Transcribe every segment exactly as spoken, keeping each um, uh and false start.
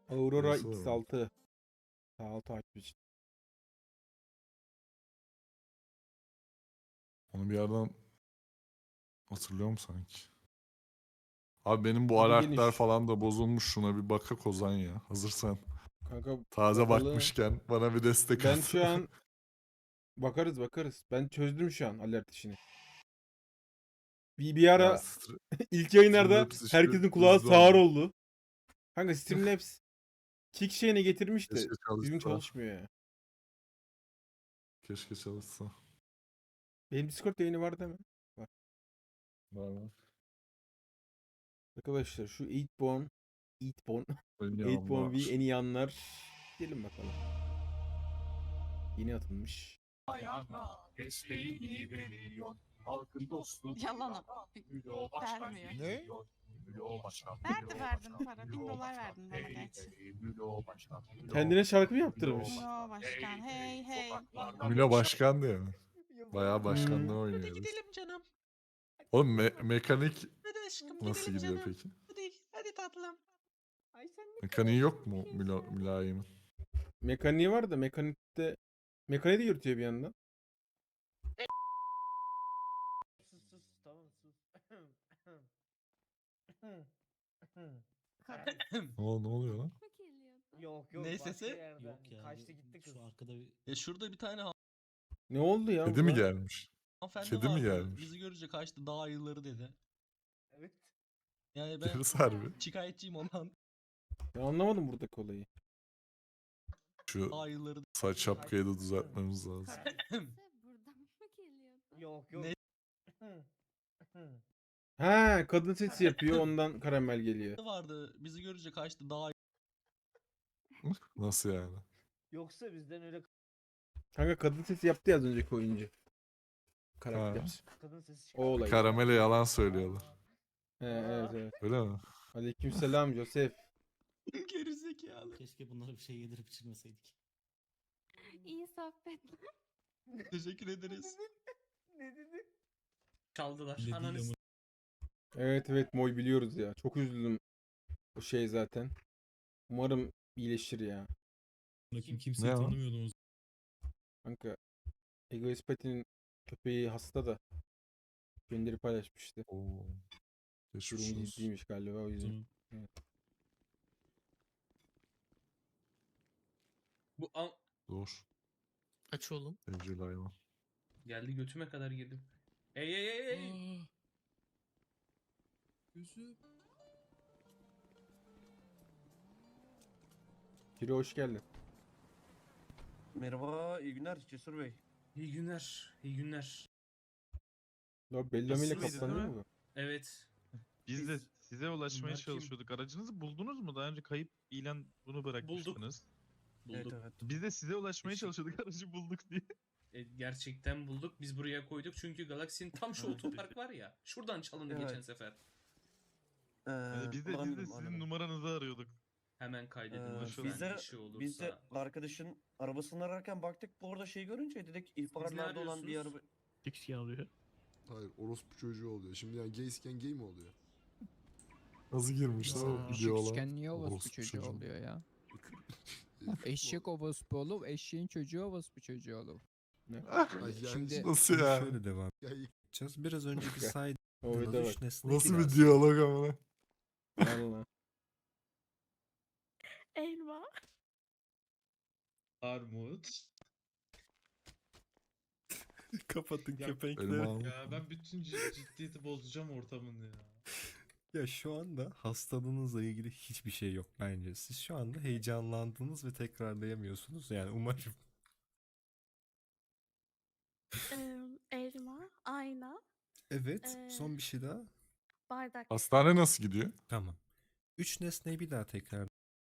Aurora Nasıl X var? altı. Sağ ol takip için. Onu bir yerden hatırlıyorum sanki. Abi benim bu Adı alertler geniş. falan da bozulmuş. Şuna bir bakak Ozan ya. Hazırsan. Kanka Taze bakalım. bakmışken bana bir destek Ben at. şu an bakarız bakarız. Ben çözdüm şu an alert işini. Bir, bir Ya ara Str- ilk yayınlarda Streamlabs işi herkesin kulağı hızlı sağır oldu. oldu. Kanka Streamlabs kick şeyini getirmiş de Keşke düzgün çalışsa. çalışmıyor ya. Keşke çalışsa. Benim Discord yayını var değil mi? Var. Var var. Arkadaşlar şu Eightborn Eightborn Oynuyor Eightborn V onlar. en iyi anlar. Gelin bakalım. Yeni atılmış. Desteğini veriyor. Halkın dostu. Yalan o. Mülo başkan Vermiyor. geliyor. Mülo başkan. Verdi Mülo verdin başkan, para. Bin Mülo dolar başkan. verdin bana Hey, gerçi. hey, Mülo başkan. Mülo Kendine şarkı mı başkan, yaptırmış? Mülo No başkan. Hey hey. sokaklarda Milo başkan diyor mu? Yıllar Bayağı oldu. başkanlığı Hmm. oynuyor. Hadi herif. gidelim canım. Oğlum me- mekanik Hadi aşkım nasıl gidelim gidiyor canım. peki? Hadi, hadi tatlım. Ay sen ne Mekaniği kadar yok mu tatlı bir Milo, insan. mülayimin? Mekaniği var da mekanikte mekaniği de yürütüyor bir yandan. Sus sus tamam sus. Ne, ol- ne oluyor lan? Yok yok Ne başka sesi? yerden. Yok ya. Kaçtı gitti kız. Şu arkada bir... Ya şurada bir tane Ne oldu ya Kedi mi burada? gelmiş? hanımefendi Kedi mi vardı. gelmiş? Bizi görünce kaçtı. Dağ ayıları dedi. Evet. Yani ben Deriz harbi. şikayetçiyim ondan. Ben anlamadım buradaki olayı. Şu Dağ ayıları saç şapkayı da düzeltmemiz lazım. Buradan mı geliyordu? Yok yok. Ne? Ha, kadın sesi yapıyor ondan karamel geliyor. vardı. Bizi görünce kaçtı. Dağ Nasıl yani? Yoksa bizden öyle Kanka kadın sesi yaptı ya az önceki oyuncu. Karakter. Ha. kadın sesi O çıkar. olay. Karamele yalan söylüyorlar. He, evet evet. Öyle mi? Aleykümselam Joseph. gerizekalı. Keşke bunlara bir şey yedirip içirmeseydik. İyi sohbetler. Teşekkür ederiz. Ne dedi? Çaldılar. Ne Ananı değil Evet evet Moy biliyoruz ya. Çok üzüldüm o şey zaten. Umarım iyileşir ya. Kim kimseyi Ne o? tanımıyordum o Kanka Egoist Pati'nin köpeği hasta da gönderi paylaşmıştı. Oo. Geçmiş Durumu olsun. ciddiymiş galiba o yüzden. zaman. Bu an... Dur. Aç oğlum. Evcil hayvan. Geldi götüme kadar girdim. Ey ey ey ey. Aa. Gözüm. Kiro hoş geldin. Merhaba, iyi günler Cesur Bey. İyi günler. İyi günler. Ya Bellamy ile Nasılsınız, kaptan değil değil mi mi? bu? Evet. Biz de size ulaşmaya Bunlar kim? çalışıyorduk. Aracınızı buldunuz mu? Daha önce kayıp ilan bunu bırakmıştınız. Bulduk. Evet evet. Biz de size ulaşmaya Teşekkür- çalışıyorduk aracı bulduk diye. E, gerçekten bulduk. Biz buraya koyduk çünkü Galaxy'nin tam şu otopark var ya. Şuradan çalındı Evet. geçen sefer. Ee, Yani biz de, biz de anladım, sizin anladım. numaranızı arıyorduk. Hemen kaydedin Ee, lütfen biz de, bir şey olursa. biz de arkadaşın arabasını ararken baktık bu arada şey görünce dedik ihbarlarda olan bir araba. arıyorsunuz? X alıyor. Hayır orospu çocuğu oluyor. Şimdi yani gaysken gay mi oluyor? Nasıl girmiş lan o videolar? Küçükken niye orospu Orospu çocuğu çocuğu. oluyor ya? Herif Eşek bu. orospu olur, eşeğin çocuğu orospu çocuğu olur. Ay yani Şimdi- Nasıl ya? Şöyle devam ya, edeceğiz. Biraz önce bir saydığınız O video bak. üç nesne Nasıl bir biraz. diyalog ama? Valla. Elma. Armut. Kapatın Ya- köpekleri. Elma Ya ben bütün cid- ciddiyeti bozacağım ortamın ya. Ya şu anda hastalığınızla ilgili hiçbir şey yok bence. Siz şu anda heyecanlandınız ve tekrarlayamıyorsunuz. Yani umarım. Ee, elma. Ayna. Evet. Ee, Son bir şey daha. Bardak. Hastane nasıl gidiyor? Tamam. Üç nesneyi bir daha tekrar.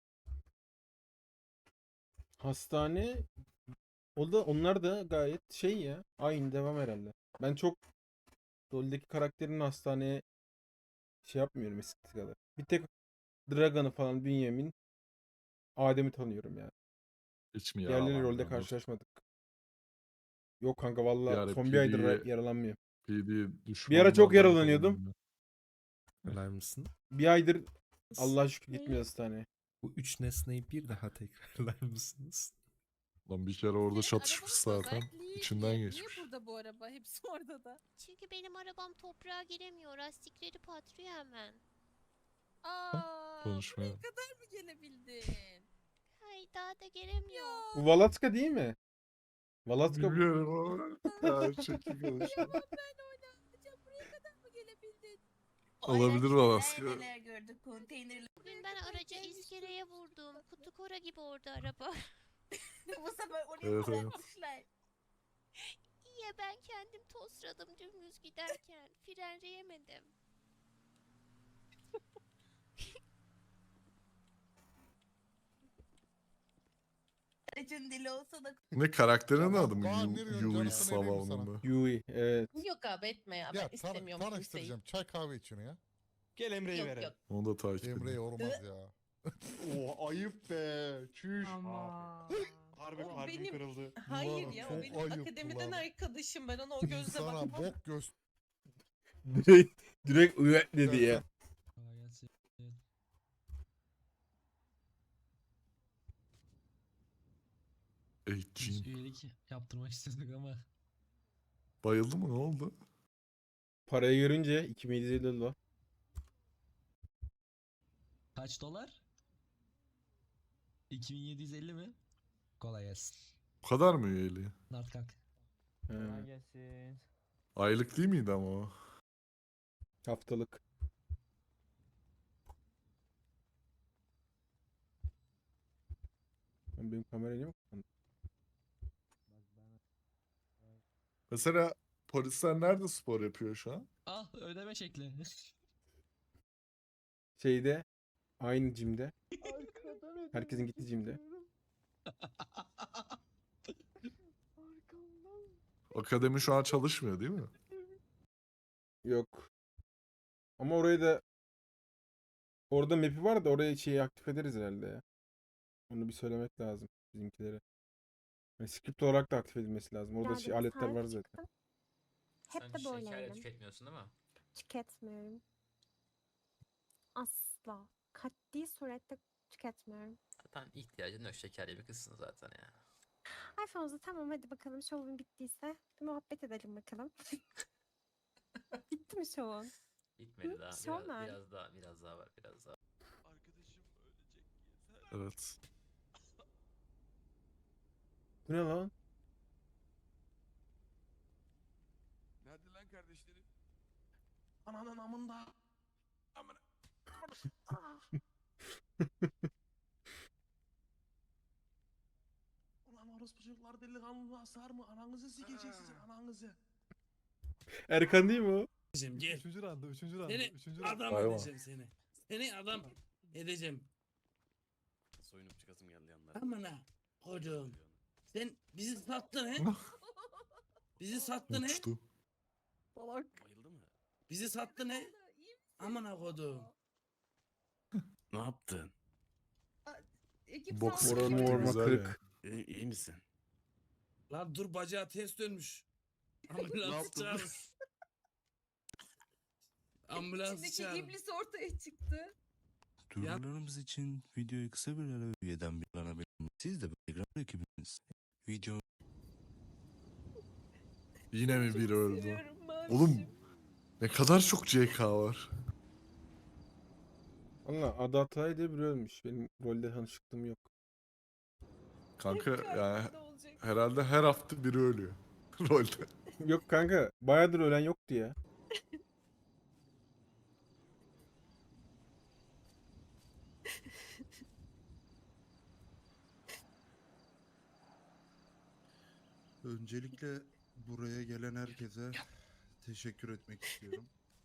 Hastane o da onlar da gayet şey ya. Aynı devam herhalde. Ben çok LoL'deki karakterin hastaneye şey yapmıyorum eskisi kadar. Bir tek Dragon'ı falan Bünyamin Adem'i tanıyorum yani. Hiç mi Diğerleriyle yaralandın? LoL'de karşılaşmadık. Yok kanka valla ara son bir aydır P D'ye yaralanmıyorum. P D Bir ara çok düşmanlardan yaralanıyordum. korundum Öler misin? Bir aydır Allah şükür gitmiyor hastaneye. Bu üç nesneyi bir daha tekrarlar mısınız? Lan bir kere orada çatışmış zaten. İçinden geçmiş. Niye burada bu araba? Hepsi orada da. Çünkü benim arabam toprağa giremiyor. Lastikleri patlıyor hemen. Aa, Konuşmaya. buraya kadar mı gelebildin? Hayır daha da gelemiyor. Bu Valatka değil mi? Valatka bu. Bilmiyorum ama. Her şekil konuşuyor. Ben oynayacağım. Buraya kadar mı gelebildin? Olabilir Valaska. gördük konteynerler. Bugün ben aracı iskeleye vurdum. Kutu kora gibi orada araba. Bu sefer oraya Evet, evet. bırakmışlar. İyi ya ben kendim tosradım dümdüz giderken. Frenleyemedim. Aracın dili olsa da. Ne karakterinin adı mı? Kaan, Yu- ne diyorsun? Yui Canım, sana vereyim mi Savam'ın sana? mı? Yui. Evet. Yok abi etme ya. Ya tan tanıştıracağım. Çay kahve içiyorsun ya. Gel Emre'yi Yok verelim. yok. Onu da takip Emre'ye edin. olmaz ya. Oo ayıp be. Çüş. Ama. Harbi O kalbim benim- kırıldı. Hayır Ulan ya çok o benim ayıp akademiden ulan. arkadaşım. Ben ona o gözle İnsana bakmam. bok göz. Direkt, direkt üye dedi ya. Kolay gelsin. Biz Eğitçiyim. üyelik yaptırmak istedik ama. Bayıldı mı? Ne oldu? Parayı görünce iki bin yedi yüz elli dolar. Kaç dolar? iki bin yedi yüz elli mi? Kolay gelsin. Bu kadar mı üyeliği? Nart kalk. He, gelsin. Aylık değil miydi ama o? haftalık. Lan benim kamera niye mi kapandı? Mesela polisler nerede spor yapıyor şu an? Ah ödeme şekli. Şeyde aynı jimde. Herkesin gittiği jimde. Akademi şu an çalışmıyor değil mi? Yok. Ama orayı da orada map'i var da oraya şeyi aktif ederiz herhalde ya. Onu bir söylemek lazım bizimkilere. Yani script olarak da aktif edilmesi lazım. Orada şey aletler var zaten. Hep Sen de şeker böyleydim. tüketmiyorsun değil mi? Tüketmiyorum. Asla. Katli surette tüketmiyorum. Zaten ihtiyacın yok, şekerli bir kızsın zaten ya. Ay Fauzi tamam hadi bakalım şovun bittiyse bir muhabbet edelim bakalım. Bitti mi şovun? Bitmedi daha. Şov Biraz, nerede? biraz daha, biraz daha var, biraz daha. Evet. Bu ne lan? Nerede lan kardeşlerim? Ananın amında. Amına. Ulan orospu çocuklar delikanlı sar mı? Ananızı sikecek sizin ananızı. Erkan değil mi o? Gel. Üçüncü randa, üçüncü randa, Seni üçüncü adam Vay vay. edeceğim seni. Seni adam edeceğim. Soyunup çıkasım geldi yanlara. Amına kocuğum. Sen bizi sattın he? Bizi sattın he? Uçtu. Bayıldı mı? Bizi sattın he? Amına koduğum. Ne yaptın? Boks Moral kiti morma güzel kırık. ya. İyi, iyi misin? Lan dur bacağı ters dönmüş. Ambulans çağır. Ambulans çağır. ortaya çıktı. Duyurularımız için videoyu kısa bir ara üyeden bir ana verin. Siz de Telegram ekibiniz. Video Yine mi biri öldü? Oğlum ne kadar çok C K var. Valla Adı Atay diye biri ölmüş. Benim rolde tanışıklığım yok. Kanka yani herhalde her hafta biri ölüyor. Rolde. Yok kanka bayağıdır ölen yoktu ya. Öncelikle buraya gelen herkese teşekkür etmek istiyorum.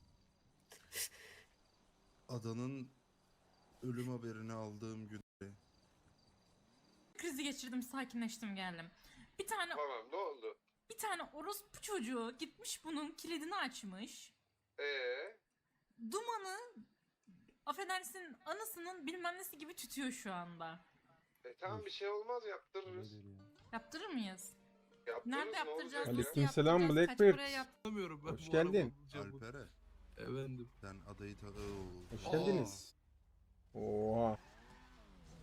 Adanın ölüm haberini aldığım günde Krizi geçirdim, sakinleştim geldim. Bir tane Tamam ne oldu? bir tane orospu çocuğu gitmiş bunun kilidini açmış. Eee? Dumanı affedersin anısının bilmem nesi gibi tütüyor şu anda. E tamam bir şey olmaz yaptırırız. Yaptırır mıyız? Yaptırırız Nerede yaptıracağız? Nasıl Aleykümselam yaptıracağız? Kaç Blackbird. paraya yap- Hoş geldin. Alper'e Efendim. sen adayı ta... Oo. Hoş geldiniz. Oha.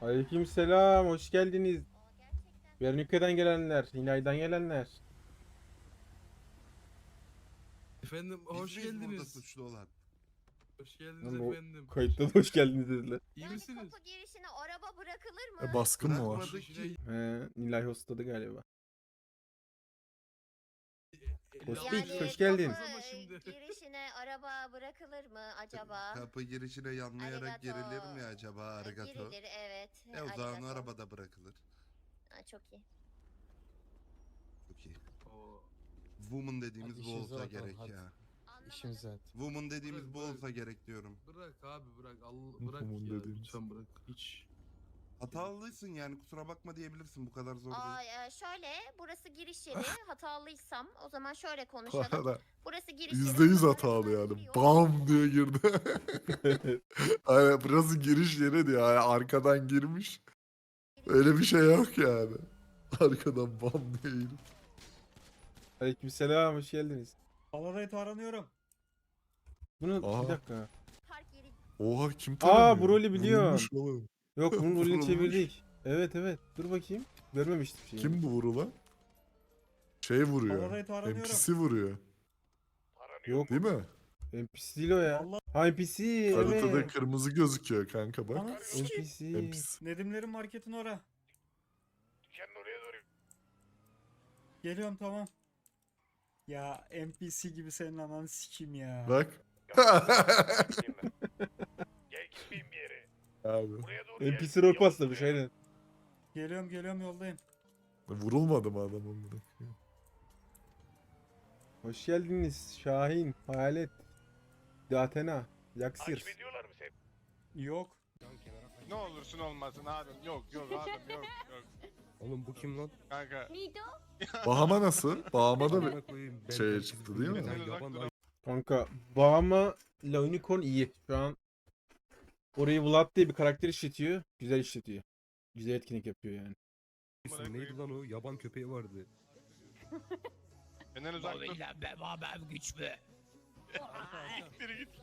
Aleykümselam, hoş geldiniz. Vernika'dan gelenler, Nilay'dan gelenler. Efendim hoş geldiniz. suçlu olan. Hoş geldiniz Lan o efendim. kayıtta da hoş geldiniz dediler. İyi Yani misiniz? kapı girişine araba bırakılır mı? E, baskın mı var? Bırakmadık ki. He, Nilay hostladı galiba. Hoş Yani bulduk, hoş geldin. kapı girişine araba bırakılır mı acaba? Kapı girişine yanlayarak Arigato. girilir mi acaba Ha, arigato? Girilir, evet. E o zaman Arigato. arabada bırakılır. Ha, çok iyi. Çok iyi. Woman dediğimiz Hadi bu işinize olsa bakalım, gerek hadi. ya. İşimize. Woman dediğimiz Bırak, bu bırak. olsa gerek diyorum. Bırak abi bırak. Allah Hı, bırak tamam ya dediğiniz. lütfen bırak. Hiç. Hatalısın yani kusura bakma diyebilirsin bu kadar zor Aa, değil. e, şöyle, burası giriş yeri. Hatalıysam o zaman şöyle Bu konuşalım. arada Burası giriş yeri. yüzde yüz buradan hatalı arabalar yani. giriyor. Bam diye girdi. Aynen burası giriş yeri diyor. Yani arkadan girmiş. Öyle bir şey yok yani. Arkadan bam diye girip. Aleykümselam, hoş geldiniz. Polaroid aranıyorum. Bunu Aha. bir dakika. Park yeri. Oha kim Aa, tanımıyor? bu rolü biliyorum. Vurulmuş oğlum. Yok, bunun rolünü Vurulmuş. çevirdik. Evet evet, dur bakayım. Görmemiştim şeyi. Kim bu vurulan? Şey vuruyor. Polaroid aranıyorum. N P C vuruyor. Yok, Değil mi? N P C değil o ya. Ha, N P C, Haritada evet. kırmızı gözüküyor kanka bak. Anam N P C. N P C. Nedimlerin marketin ora. Geliyorum tamam. Ya N P C gibi senin ananı sikeyim ya. Bak. Abi. N P C rol paslamış aynen. Geliyorum geliyorum yoldayım. Vurulmadı mı adam onlara? Hoş geldiniz Şahin, Hayalet, Datena, Yaksir. Yok. Ne olursun olmasın abim. Yok yok abim yok yok. Oğlum bu kim lan? Kanka. Mido? Bahama nasıl? Bahama da bir şey çıktı değil mi? Sen uzak dur. Kanka, Bahama ile Unicorn iyi. Şu an orayı Vlad diye bir karakter işletiyor. Güzel işletiyor. Güzel etkinlik yapıyor yani. Neydi lan o? Yaban köpeği vardı. Benden uzak dur. Babam güçlü. Biri git.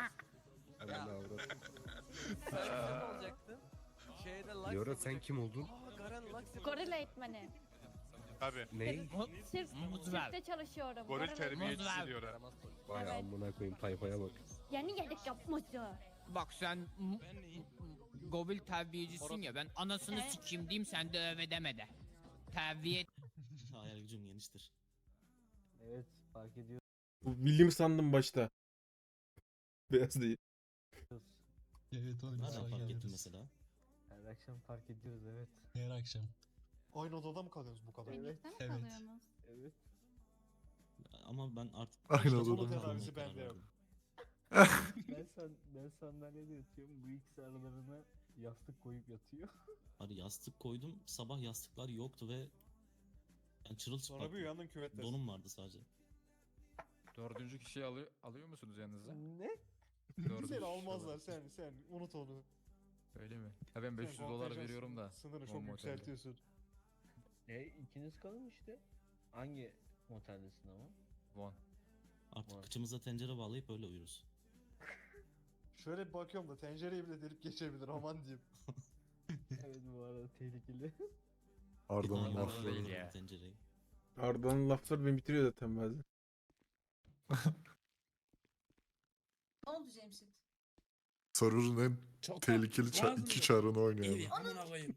Yora sen kim oldun? Gorilla eğitmeni. Tabii. Ney? Sirk, Muz ver. sirkte çalışıyorum. Goril Gorilla- terbiyecisi diyor ha. Vay Evet. amına koyayım tayfaya bak. Yeni geldik yapmaca. Bak sen Gobil terbiyecisin ya, ben anasını He? sikeyim diyeyim, sen de öve deme de. Terbiye. Hayal gücüm geniştir. Evet fark ediyoruz. Bu William sandım başta. Beyaz değil. Evet oğlum. Nereden fark ettin mesela? Her akşam fark ediyoruz evet. Her akşam. Aynı odada mı kalıyorsunuz bu kadar? Evet. Evet. Evet. Ama ben artık... Aynı İşte odada sonra mı kalmaya kalıyorsun? karar verdim. Ben san ben sandalyede yatıyorum. Bu ikisi aralarına yastık koyup yatıyor. Abi yastık koydum. Sabah yastıklar yoktu ve yani çırılçıplak uyandın küvette. donum vardı sadece. Dördüncü kişiyi alıyor, alıyor musunuz yanınıza? Ne? Dördüncü Seni kişi almazlar olarak. sen sen unut onu. Öyle mi? Ha ben beş yüz dolar veriyorum da. Sınırı o çok motelde. yükseltiyorsun. E ikiniz kalın işte. Hangi moteldesin ama? Von. Artık Vay. kıçımıza tencere bağlayıp öyle uyuruz. Şöyle bir bakıyorum da tencereyi bile delip geçebilir aman diyeyim. Evet bu arada tehlikeli. Arda'nın Bir daha lafları. bağlarım ya. tencereyi. Arda'nın lafları beni bitiriyor zaten bazen. Ne oldu Cemşit? Sarır'ın en Çok tehlikeli ça- lazım iki da. çarını oynuyor. Evi amına koyayım.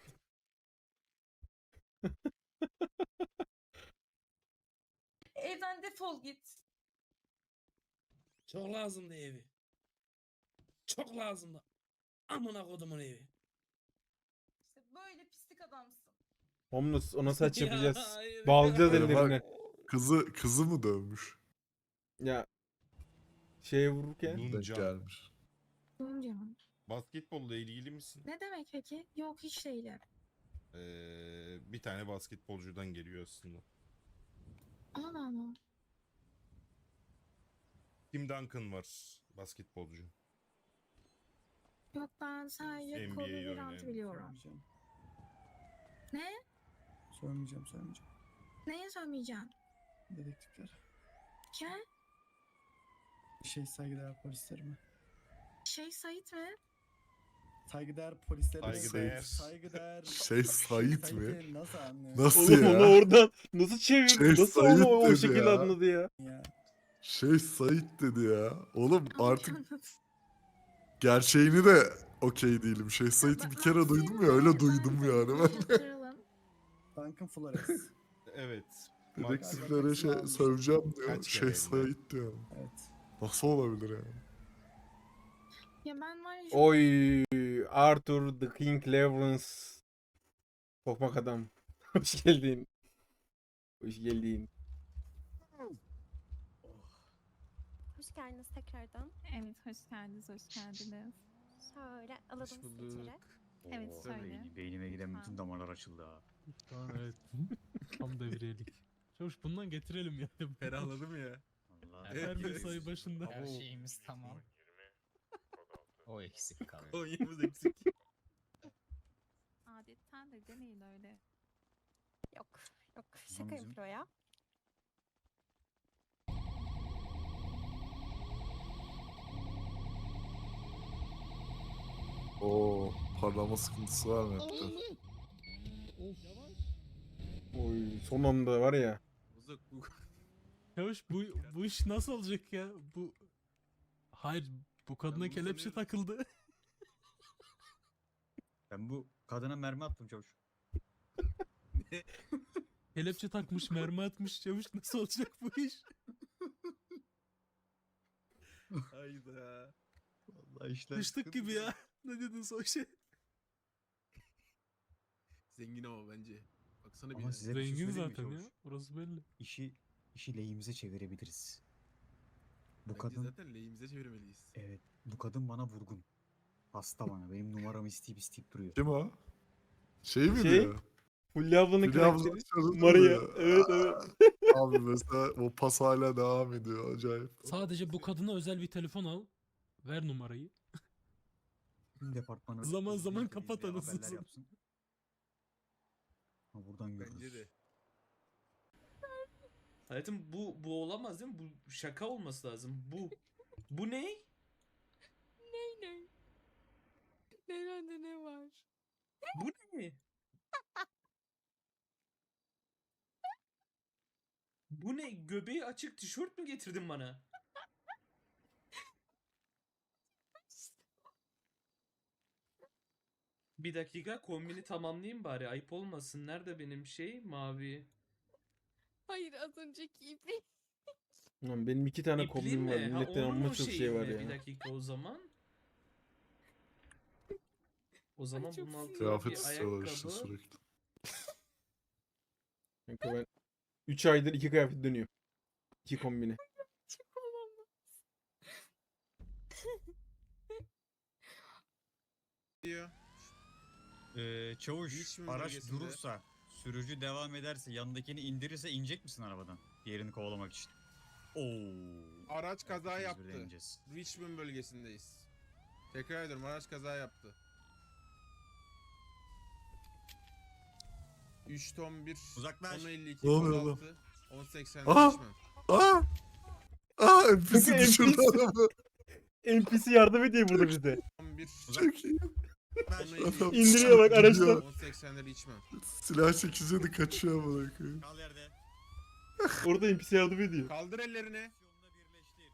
Evden defol git. Çok lazımdı evi. Çok lazımdı. Amına kodumun evi. İşte böyle pislik adamsın. Homeless, ona saç Ya, yapacağız. hayır. Bağlayacağız Öyle bak. ellerine. Kızı kızı mı dövmüş? Ya şeye vururken. Denk gelmiş. Canım. Basketbolla ilgili misin? Ne demek peki? Yok hiç değilim. Ee, bir tane basketbolcudan geliyor aslında. Allah Allah. Tim Duncan var basketbolcu. Yok ben sadece N B A'yi Kobe oynayan. Bryant'ı biliyorum. Ne? Söylemeyeceğim söylemeyeceğim. Neye söylemeyeceğim? Dedektifler. Kim? Şey saygıdeğer polislerime. Şey Sait mi? Saygıdeğer polislere Saygıdeğer. saygıdeğer Şey Sait mi? Sait'i nasıl anlıyorsun? Nasıl Oğlum ya? onu oradan nasıl çevirdi? Şey, Nasıl Sait onu o dedi şekilde ya. anladı ya? ya? Şey Sait dedi ya. Oğlum artık gerçeğini de okey değilim. Şey Sait'i bir kere duydum ya öyle duydum yani ben. Duncan Flores. Evet. Dedektiflere şey söveceğim diyor. Kaç Şey kere Sait diyor. Evet. Nasıl olabilir yani? Ya ben var ya Oy Arthur the King Lawrence. Tokmak adam. Hoş geldin. Hoş geldin. hoş geldiniz tekrardan. Evet, hoş geldiniz, hoş geldiniz. Şöyle alalım Hoş sizi bulduk. içeri. Evet, şöyle. Beynime giden bütün damarlar açıldı ha. Tamam evet. Tam devriyelik. Çavuş bundan getirelim yani. Ferahladım ya. Her bir sayı başında. Her şeyimiz tamam. O eksik kaldı. on yirmi eksik. Adetten de demeyin öyle. Yok yok şaka bizim- yapıyor ya. Oo, parlama sıkıntısı var mı hepte? Oy son anda var ya. Çavuş bu, bu iş nasıl olacak ya? Bu... Hayır bu kadına kelepçe takıldı. Ben bu kadına mermi attım çavuş. Kelepçe takmış, mermi atmış çavuş, nasıl olacak bu iş? Hayda. Vallahi işler Düştük gibi ya. Ne dedin son şey? Zengin ama bence. Baksana Ama bir size bir şey Zengin söyleyeyim mi zaten çavuş? ya. Orası belli. İşi, işi lehimize çevirebiliriz. Bu Bence kadın, zaten lehimize çevirmeliyiz. evet bu kadın bana vurgun. Hasta bana, benim numaramı isteyip isteyip duruyor. Kim o? Şey mi Şey, diyor? Fulya ablanın Fulya abla karakteri. sarıldı Maria. diyor. Evet evet. Abi mesela o pas hala devam ediyor acayip. Sadece bu kadına özel bir telefon al. Ver numarayı. Tüm departmanı... Zaman izleyin, zaman izleyin, kapat anasını haberler satayım. yapsın. Ha buradan görürüz. Bence de. Hayatım bu bu olamaz değil mi? Bu şaka olması lazım. Bu bu ne? Ney ney? Nerede ne var? Bu ne? Bu ne? Göbeği açık tişört mü getirdin bana? Bir dakika kombini tamamlayayım bari. Ayıp olmasın. Nerede benim şey? Mavi. Hayır, az önceki ipi. Lan benim iki tane İpli kombim var. mi? Ha, Milletten onun amma o çok şeyi şey var mi? ya. Bir dakika o zaman. O zaman çok bunun altına Kıyafet bir istiyorlar işte ayakkabı. sürekli. Kanka ben üç aydır iki kıyafet dönüyor. İki kombine. Çok olamaz. Diyor. Ee, çavuş, Hiç mi araç bölgesinde? durursa, sürücü devam ederse, yandakini indirirse inecek misin arabadan? Diğerini kovalamak için. Oo. Araç kaza İkimiz yaptı. birden ineceğiz. Richmond bölgesindeyiz. Tekrar ediyorum araç kaza yaptı. üç ton bir, Uzaklaş. ton elli iki, Ne oluyor kod oğlum? altı, on seksen Aa! Richmond. Aa! Aa N P C Kanka, düşürdü N P C. adamı. N P C yardım ediyor burada bize. on bir, Çok iyi. ton elli iki, Adam İndiriyor bak araçtan. on seksen Richmond. Silah çekince de kaçıyor amına koyayım. Kal yerde. Orada N P C yardım ediyor. Kaldır ellerini. Yolunda birleştir.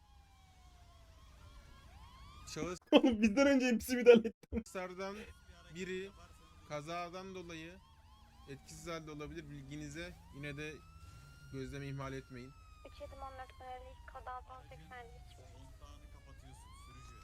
Şahıs Oğlum bizden önce N P C müdahale etti. Şahıslardan biri kazadan dolayı etkisiz halde olabilir bilginize. Yine de gözleme ihmal etmeyin. üç yedi on dört elli kod altı on seksen Richmond. Kontağını kapatıyorsun sürücü.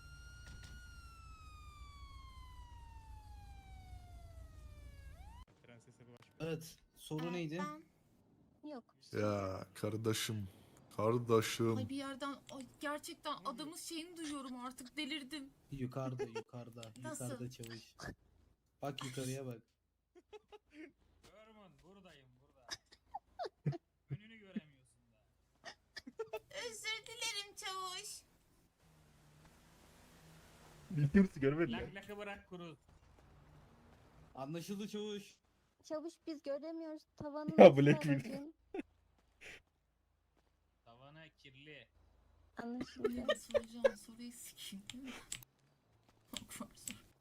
Evet. Soru neydi? Yok. Ya kardeşim. Kardeşim. Ay bir yerden ay gerçekten adamın şeyini duyuyorum artık delirdim. Yukarıda, yukarıda. Nasıl? Yukarıda çavuş. Bak yukarıya bak. Görmün buradayım burada. Önünü göremiyorsun da. Özür dilerim çavuş. Bildiğimizi görmediler. Lak lakı bırak kuruz. Anlaşıldı çavuş. Çavuş biz göremiyoruz. Tavanı Ya nasıl Black Widow. aradın? Tavana kirli. Anlaşıldı. Soracağım soruyu sikeyim. Çok var soru.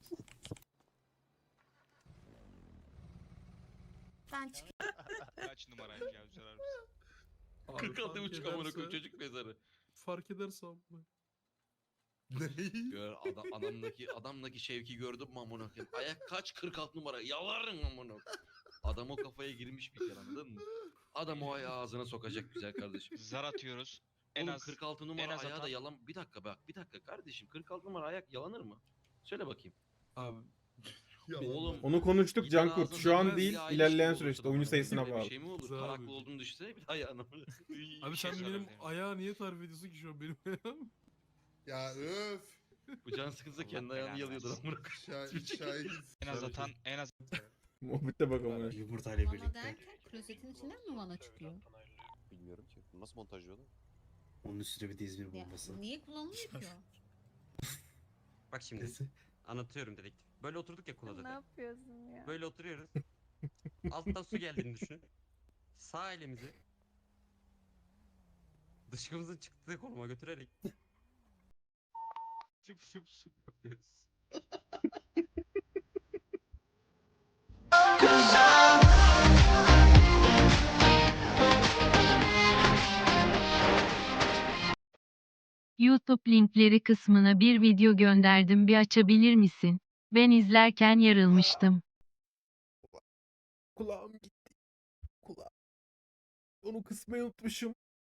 ben çıkıyorum. Kaç numaraymış ya sorar mısın? Abi kırk altı fark buçuk amına koyayım ederse- çocuk mezarı. Fark ederse abla. Ne? Gör adam, adamdaki adamdaki şevki gördün mü amına koyayım? Ayak kaç kırk altı numara? Yaların amına koyayım. Adam o kafaya girmiş bir kere anladın mı? Adam o ayağı ağzına sokacak güzel kardeşim. Zar atıyoruz. En Oğlum az kırk altı numara az ayağı da atan- yalan. Bir dakika bak bir dakika kardeşim kırk altı numara ayak yalanır mı? Söyle bakayım. Abi. Oğlum Onu konuştuk gider Cankurt. ağzına Şu an sokmaz değil, ya, aynı ilerleyen şey mi olur süreçte sana? oyuncu Böyle sayısına bir bağlı. şey mi olur? Güzel Taraklı abi. olduğunu düşünsene bir ayağına. Abi sen şey benim sorabilirim. ayağı niye tarif ediyorsun ki şu an benim ayağım? Ya öf. Bu can sıkıntısı kendi Allah ayağını belanı yalıyordur versin. amına koyayım. Şahin, Şahin. en az atan en az Muhabbete bak ama. Yumurtayla birlikte. klozetin içinden mi vana çıkıyor? bilmiyorum ki. Nasıl montajlıyorlar? Onun üstüne bir de İzmir bombası. Niye kullanılıyor ki Bak şimdi anlatıyorum dedektif. Böyle oturduk ya Ne yapıyorsun ya? Böyle oturuyoruz. Alttan su geldiğini düşün. Sağ elimizi dışkımızın çıktığı konuma götürerek şıp şıp şıp yapıyoruz. YouTube linkleri kısmına bir video gönderdim, bir açabilir misin? Ben izlerken yarılmıştım. Kulağım gitti. Kulağım. Onu kısmayı unutmuşum.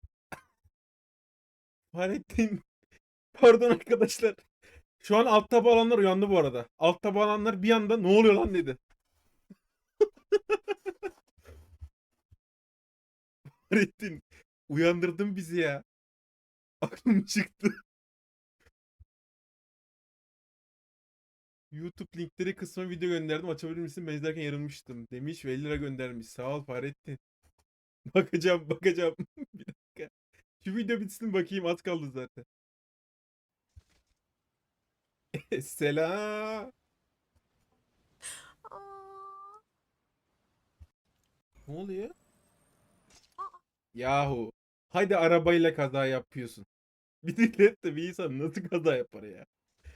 Fahrettin. Pardon arkadaşlar. Şu an alt tabu alanlar uyandı bu arada. Alt tabu alanlar bir anda ne oluyor lan dedi. Fahrettin. Uyandırdın bizi ya. Aklım çıktı. YouTube linkleri kısmına video gönderdim. Açabilir misin? Ben izlerken yarılmıştım. Demiş ve elli lira göndermiş. Sağ ol Fahrettin. Bakacağım bakacağım. Bir dakika. Şu video bitsin bakayım, az kaldı zaten. Selam. Ne oluyor? Yahu. Hadi arabayla kaza yapıyorsun. Bisikletle bir insan nasıl kaza yapar ya?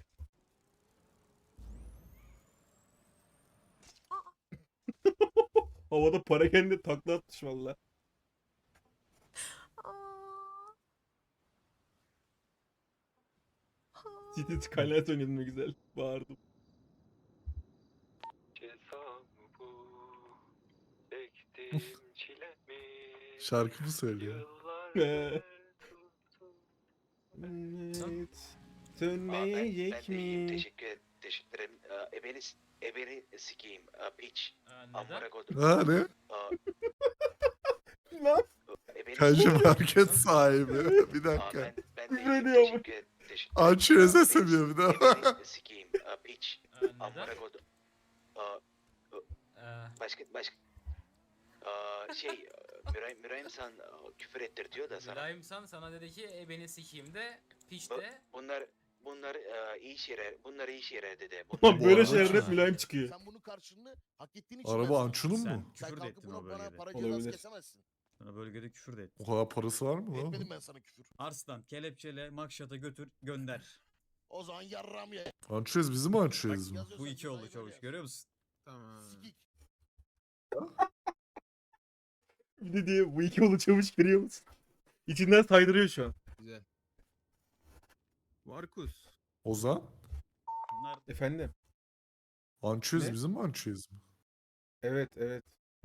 Havada para kendi takla atmış valla. City Skylight oynadım ne güzel. Bağırdım. Şarkı mı söylüyor? Evet. Sönmeyecek mi? Teşekkür, teşekkür ederim. Ee, Ebeni, ebeni sikeyim. Ee, Piç. Amına koydum. Ha ne? Aa, Lan ebeni Kancı sikeyim. market sahibi. Bir Aa, dakika. ben, ben Küfür de ediyor mu? teşekkür, teşekkür Açıyor Ebeni- ses ediyor bir de. Ebeni sikeyim. Ee, Piç. Amına koydum. Aa, başka, başka. Aa, şey, Mülayim, Mülayim sen aa, küfür ettir diyor da sana. Mülayimsan sana dedi ki e beni sikeyim de piç Bu- de. Bunlar, bunlar aa, iyi şeyler, bunlar iyi şeyler dedi. Ulan Bunlar böyle arada şeyler hep çok- mülayim çıkıyor. Sen bunun karşılığını hak ettiğin için Araba Ançu'nun mu? Sen Küfür de kalkıp ettin buna o bana bölgede. para Olabilir. cezası kesemezsin. Sana bölgede küfür de et. O kadar parası var mı lan? Etmedim ben sana küfür. Arslan kelepçele Makşat'a götür gönder. O zaman yarram ye. Ançuyuz bizi mi ançuyuz mu? Yazıyorsan Bu iki oldu cezayı çavuş böyle görüyor musun? Tamam. yaz. Sikik. Bir de diye bu iki yolu çavuş görüyor musun? İçinden saydırıyor şu an. Güzel. Markus. Ozan? Bunlar Efendim. Ançuyuz Ne? bizim mi ançuyuz mu? Evet evet.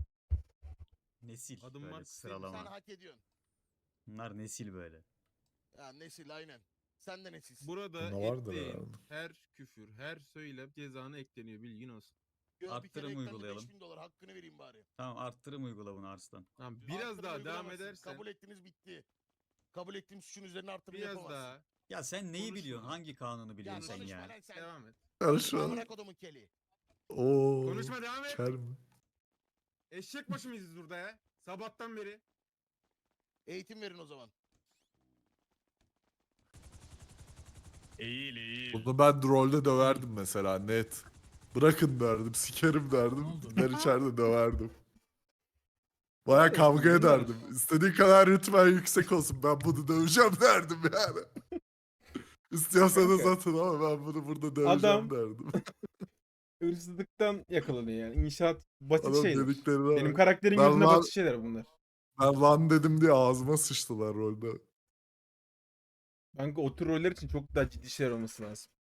nesil Adım böyle var. Sen sıralama. hak ediyorsun. Bunlar nesil böyle. Ya nesil aynen. Sen de nesilsin. Burada Ne vardır ettiğin herhalde. her küfür, her söylem cezana ekleniyor, bilgin olsun. Gör, bir arttırım kere eklendi, uygulayalım. beş bin dolar hakkını vereyim bari. Tamam arttırım uygula bunu Arslan. Tamam, biraz Arttırım daha devam uygulamazsın. edersen, Kabul ettiniz bitti. Kabul ettiğim suçun üzerine arttırım biraz yapamazsın. daha Ya sen neyi Konuşma. biliyorsun? Hangi kanunu Ya biliyorsun sen konuşma ya? lan sen. devam et. Karışma. Amına kodumun keli. Oo. Konuşma, devam et. Ker mi? Eşek başı mıyız burada ya? Sabahtan beri. Eğitim verin o zaman. Eğil eğil. Bunu ben rolde döverdim mesela net. Bırakın derdim, sikerim derdim. Ben içeride döverdim. Baya kavga ederdim. İstediğin kadar rütben yüksek olsun. Ben bunu döveceğim derdim yani. İstiyorsanız Kanka. atın ama ben bunu burada döveceğim Adam- derdim. hırsızlıktan yakalanıyor yani. İnşaat basit Adam şeyler. dediklerine Benim bak. karakterin Ben gözünde lan- basit şeyler bunlar. Ben lan dedim diye ağzıma sıçtılar rolde. Kanka o tür roller için çok daha ciddi şeyler olması lazım.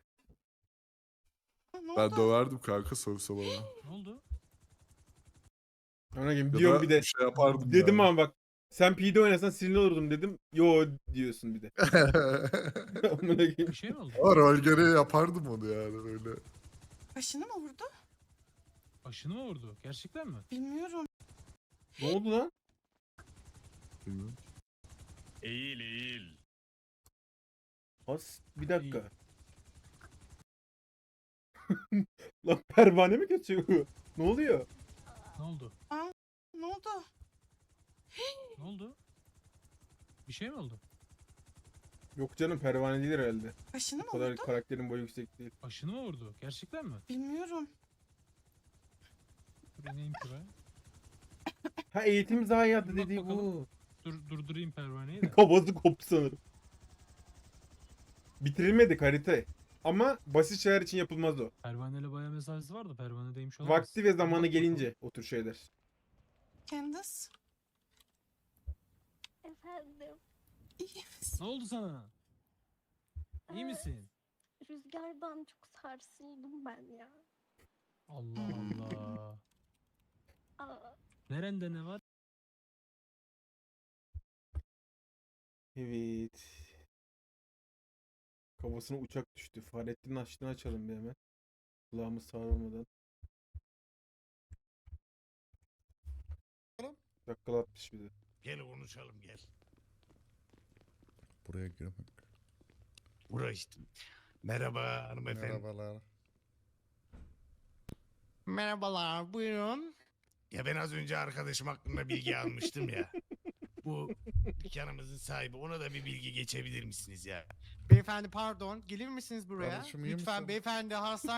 Ben döverdim kanka sövse bana. Ne oldu? Ona gibi Ya diyorum da bir de. bir şey yapardım Dedim yani. ama bak sen P D oynasan sinirli olurdum dedim. Yo diyorsun bir de. Amına koyayım. Bir şey mi oldu? Ama rol gereği yapardım onu yani öyle. Başını mı vurdu? Başını mı vurdu? Gerçekten mi? Bilmiyorum. Ne oldu lan? Bilmiyorum. Eğil eğil. As bir dakika. Lan pervane mi geçiyor? Ne oluyor? Ne oldu? Ne oldu? Ne oldu? Bir şey mi oldu? Yok canım pervane değil herhalde. Başını O kadar karakterin boyu yüksek değil. Başını mı vurdu? Gerçekten mi? Bilmiyorum. Dur ineyim şuraya. Ha eğitim zayiatı Bak dediği bakalım. bu. Dur durdurayım pervaneyi de. Kafası koptu sanırım. Bitirilmedi harita. Ama basit şeyler için yapılmaz o. Pervaneyle bayağı mesafesi var da pervanedeymiş olamaz. Vakti ve zamanı Bak bakalım. gelince o tür şeyler. Candace. Efendim, İyi misin? Ne oldu sana? İyi misin? rüzgardan çok sarsıldım ben ya. Allah Allah. Aa, Nerende ne var? Evet. Kafasına uçak düştü. Fahrettin'in açtığını açalım bir hemen. Kulağımız sağlamadan. Dakikalatmış bir de. Gel konuşalım gel. Buraya girmek. Buraya işte. Merhaba hanımefendi. Merhabalar. Merhabalar buyurun. Ya ben az önce arkadaşım hakkında bilgi almıştım ya. Bu dükkanımızın sahibi, ona da bir bilgi geçebilir misiniz ya? Beyefendi pardon, gelir misiniz buraya? Kardeşim, iyi Lütfen misin? beyefendi hastane